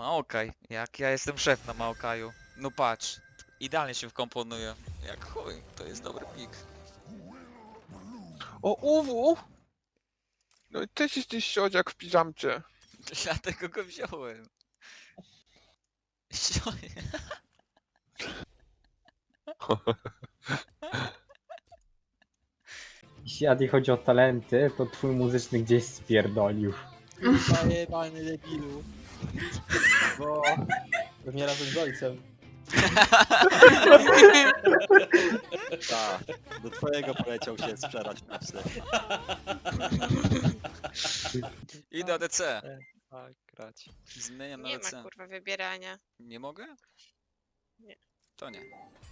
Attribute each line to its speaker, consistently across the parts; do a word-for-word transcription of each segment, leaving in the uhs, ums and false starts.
Speaker 1: Maokaj, jak ja jestem szef na Maokaju. No patrz, idealnie się wkomponuje. Jak chuj, to jest dobry pik.
Speaker 2: O, Uwu! No i też jesteś siodziak w piżamcie.
Speaker 1: Dlatego go wziąłem. Sioje.
Speaker 3: Jeśli Adi chodzi o talenty, to twój muzyczny gdzieś spierdolił.
Speaker 4: Zajebany debilu. Bo... Pewnie razem z ojcem.
Speaker 5: Tak, do twojego poleciał się sprzedać na psy.
Speaker 1: Idę D C.
Speaker 5: Tak, grać.
Speaker 1: Zmieniam na
Speaker 6: Nie
Speaker 1: D
Speaker 6: ma
Speaker 1: C.
Speaker 6: kurwa wybierania.
Speaker 1: Nie mogę?
Speaker 6: Nie.
Speaker 1: To nie.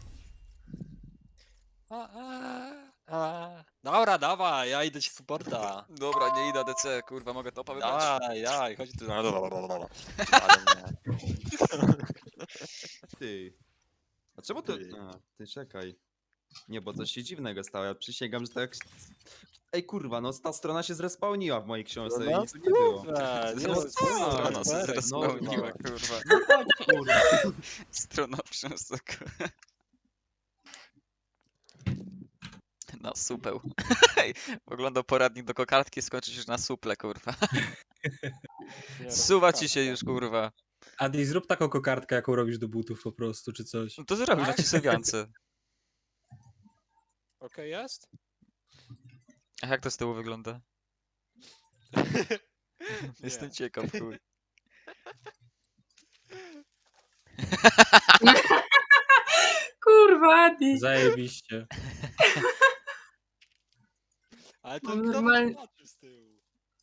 Speaker 5: A, a, a. Dobra, dawaj, ja idę ci supporta.
Speaker 1: Dobra, nie idę D C, kurwa, mogę topa wybrać.
Speaker 5: Dawaj, dawaj, chodź tu na... Ale nie.
Speaker 7: Ty. A czemu to...
Speaker 5: Ty.
Speaker 7: A, ty czekaj. Nie, bo coś się dziwnego stało. Ja przysięgam, że tak... Ej kurwa, no ta strona się zrespawniła w mojej książce
Speaker 5: No,
Speaker 7: i tu nie było.
Speaker 5: Dobra, nie,
Speaker 1: No,
Speaker 5: spoko,
Speaker 1: Strona się
Speaker 5: super,
Speaker 1: zrespełniła,
Speaker 7: no.
Speaker 1: kurwa.
Speaker 7: Kurwa.
Speaker 1: Strona przęsek. Na supeł. Oglądał poradnik do kokardki, skończy się na suple, kurwa.
Speaker 5: nie,
Speaker 1: Suwa ci się już, kurwa.
Speaker 4: Adi, zrób taką kokardkę, jaką robisz do butów po prostu, czy coś.
Speaker 1: No to zrobisz na cisowiance.
Speaker 5: Okej jest?
Speaker 1: A jak to z tyłu wygląda? Jestem
Speaker 5: Nie.
Speaker 1: ciekaw, chuj.
Speaker 8: Kurwa, Adi.
Speaker 4: Zajebiście.
Speaker 5: Ale to
Speaker 8: No,
Speaker 5: kto
Speaker 8: normalnie-
Speaker 5: zobaczył z tyłu?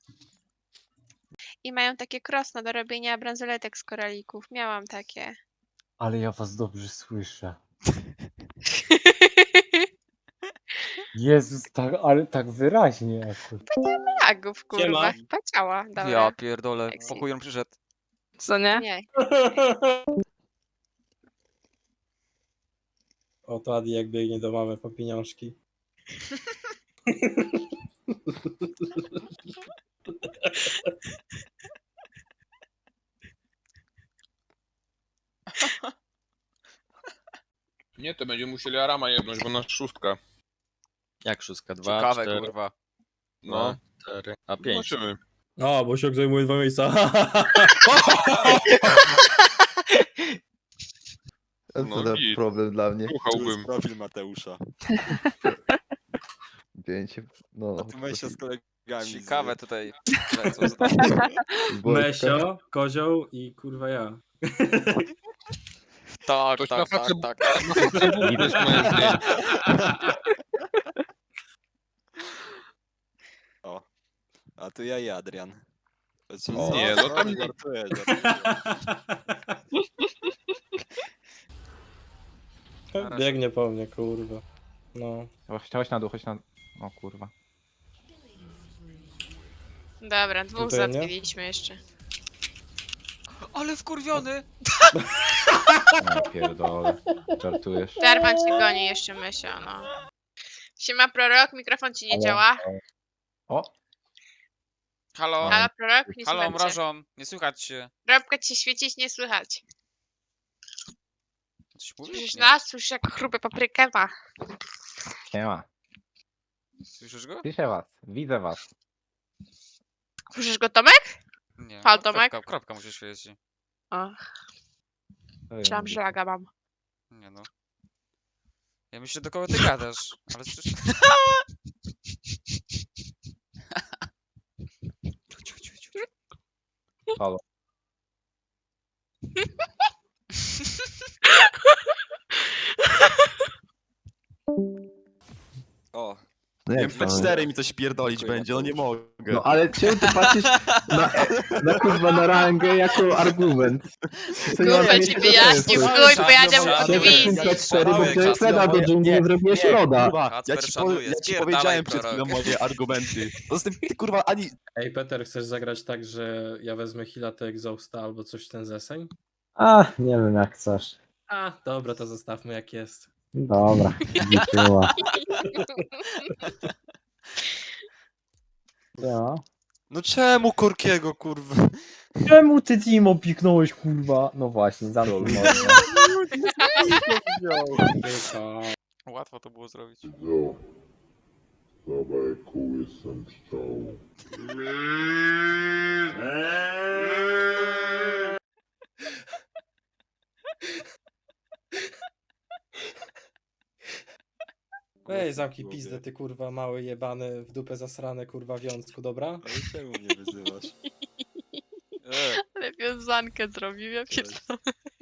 Speaker 6: I mają takie krosno do robienia bransoletek z koralików. Miałam takie.
Speaker 3: Ale ja was dobrze słyszę. Jezus, tak, ale tak wyraźnie. Kurwa.
Speaker 6: Lagów, kurwa.
Speaker 4: Siema.
Speaker 6: Chyba ciała. Dobra.
Speaker 1: Ja pierdolę,
Speaker 6: Sexy.
Speaker 1: pokój przyszedł.
Speaker 8: Co nie?
Speaker 6: Nie.
Speaker 4: Oto Adi jak biegnie do mamy po pieniążki.
Speaker 2: Nie, to będzie musieli Arama jebnąć, bo nasz szóstka.
Speaker 7: Jak szóstka? Dwa,
Speaker 1: Ciekawe,
Speaker 7: cztery,
Speaker 1: kurwa.
Speaker 2: No,
Speaker 7: cztery, a pięć.
Speaker 2: zobaczymy.
Speaker 4: O, bo się zajmuje dwa miejsca.
Speaker 9: A
Speaker 2: No
Speaker 9: co za
Speaker 2: git.
Speaker 9: problem dla mnie?
Speaker 5: Tu jest
Speaker 2: Słuchałbym.
Speaker 5: profil Mateusza.
Speaker 9: Zdjęcie. No.
Speaker 5: A tu Mesio z kolegami.
Speaker 1: Ciekawe
Speaker 5: z...
Speaker 1: tutaj. lecą za-
Speaker 9: Wojtka.
Speaker 4: Mesio, kozioł i kurwa ja.
Speaker 1: Tak,
Speaker 2: Ktoś na
Speaker 1: tak, tak,
Speaker 2: facet-
Speaker 1: tak.
Speaker 2: Na Facebooku też moje zdjęcie.
Speaker 5: O. A tu ja i Adrian. Znaczy,
Speaker 2: O,
Speaker 5: co?
Speaker 2: nie, no tam-
Speaker 5: Żartuję, żartuję.
Speaker 4: Biegnie po mnie, kurwa. No.
Speaker 3: Chodź na dół, chodź na... O kurwa.
Speaker 6: Dobra, dwóch
Speaker 4: Tutaj nie?
Speaker 6: załatwiliśmy jeszcze.
Speaker 1: Ale wkurwiony!
Speaker 3: No pierdolę. Żartujesz.
Speaker 6: Darman cię goni jeszcze, Mysio, no. Siema, prorok, mikrofon ci nie
Speaker 3: Ale-
Speaker 6: działa.
Speaker 3: O!
Speaker 1: Halo?
Speaker 6: Halo, prorok, nie
Speaker 1: Halo,
Speaker 6: słychać cię.
Speaker 1: mrażon, nie słychać się.
Speaker 6: Robka ci świecić, nie słychać.
Speaker 1: Coś mówisz?
Speaker 6: Słyszysz
Speaker 1: Nie.
Speaker 6: nas? Słyszysz jak chrupę paprykę ma.
Speaker 3: Siema.
Speaker 1: Słyszysz go?
Speaker 3: Słyszę was. Widzę was.
Speaker 6: Słyszysz go, Tomek?
Speaker 1: Nie.
Speaker 6: Halo,
Speaker 1: no,
Speaker 6: Tomek?
Speaker 1: Kropka, kropka musi świecić.
Speaker 6: O,
Speaker 3: Co wy
Speaker 6: myślałam,
Speaker 3: mówicie?
Speaker 6: że laga mam.
Speaker 1: Nie no. Ja myślę, do kogo ty gadasz, ale słyszę... Ciu, ciu, ciu, ciu.
Speaker 3: Halo.
Speaker 5: O.
Speaker 9: No
Speaker 7: Nie,
Speaker 9: jak
Speaker 7: w
Speaker 9: to?
Speaker 7: cztery mi coś pierdolić
Speaker 5: Dziękuję,
Speaker 7: będzie, no nie mogę.
Speaker 9: No ale czemu ty patrzysz na, na kurwa na rangę jako argument? To nie ma
Speaker 6: Kurwa
Speaker 9: miejsca
Speaker 6: ci wyjaśnił,
Speaker 9: sensu.
Speaker 6: chuj, pojadę
Speaker 1: Żadnym-
Speaker 6: od
Speaker 1: żadnym-
Speaker 6: wizji.
Speaker 9: P cztery, bo
Speaker 1: Szanowny
Speaker 9: to jest
Speaker 1: czas,
Speaker 9: Feda do dżungli, nie zrobiłeś loda.
Speaker 7: Kurwa, ja
Speaker 1: Kacper
Speaker 7: ci,
Speaker 1: szanuje,
Speaker 7: powie, ja ci
Speaker 1: spierdalaj,
Speaker 7: powiedziałem przed
Speaker 1: prorok.
Speaker 7: chwilą moje argumenty. Poza tym ty kurwa ani...
Speaker 4: Ej, Peter, chcesz zagrać tak, że ja wezmę Hila, ty Exhausta albo coś w ten zeseń?
Speaker 3: A, nie wiem jak chcesz.
Speaker 4: A, dobra, to zostawmy jak jest.
Speaker 3: Dobra, liczyła. Co?
Speaker 8: No czemu Korkiego, kurwa?
Speaker 3: Czemu ty Timo piknąłeś, kurwa? No właśnie, zamknij mordę.
Speaker 4: Tylko...
Speaker 1: Łatwo to było zrobić.
Speaker 4: Ej, zamknij pizdę, ty kurwa mały jebany, w dupę zasrane kurwa wiązku, dobra?
Speaker 5: Ale czemu mnie wyzywasz?
Speaker 1: E,
Speaker 6: Ale wiązankę zrobił, ja pierdolę.